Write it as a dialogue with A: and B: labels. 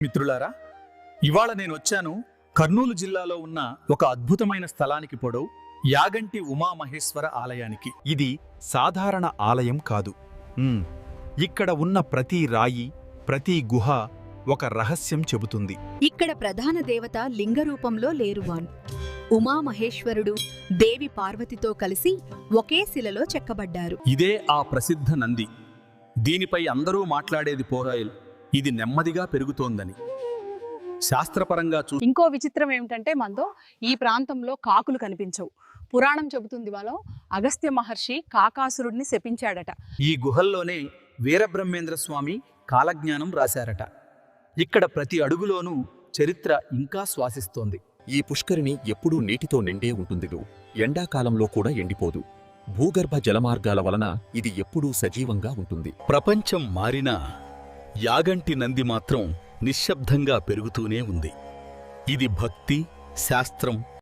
A: మిత్రులారా, ఇవాళ నేను వచ్చాను కర్నూలు జిల్లాలో ఉన్న ఒక అద్భుతమైన స్థలానికి పొడవు యాగంటి ఉమామహేశ్వర ఆలయానికి.
B: ఇది సాధారణ ఆలయం కాదు. ఇక్కడ ఉన్న ప్రతి రాయి, ప్రతి గుహ ఒక రహస్యం చెబుతుంది.
C: ఇక్కడ ప్రధాన దేవత లింగరూపంలో లేరువాన్. ఉమామహేశ్వరుడు దేవి పార్వతితో కలిసి ఒకే శిలలో చెక్కబడ్డారు.
A: ఇదే ఆ ప్రసిద్ధ నంది. దీనిపై అందరూ మాట్లాడేది పోరాయిల్ ఇది నెమ్మదిగా పెరుగుతోందని. శాస్త్రపరంగా
D: ఇంకో విచిత్రం ఏమిటంటే మనతో ఈ ప్రాంతంలో కాకులు కనిపించవు. పురాణం చెబుతుంది వాళ్ళు అగస్త్య మహర్షి కాకాసురుడిని శపించాడట.
A: ఈ గుహల్లోనే వీరబ్రహ్మేంద్ర స్వామి కాలజ్ఞానం రాశారట. ఇక్కడ ప్రతి అడుగులోనూ చరిత్ర ఇంకా శ్వాసిస్తోంది.
E: ఈ పుష్కరిణి ఎప్పుడూ నీటితో నిండే ఉంటుందిగు. ఎండాకాలంలో కూడా ఎండిపోదు. భూగర్భ జలమార్గాల వలన ఇది ఎప్పుడూ సజీవంగా ఉంటుంది.
A: ప్రపంచం మారినా యాగంటి నంది మాత్రం నిశ్శబ్దంగా పెరుగుతూనే ఉంది. ఇది భక్తి, శాస్త్రం,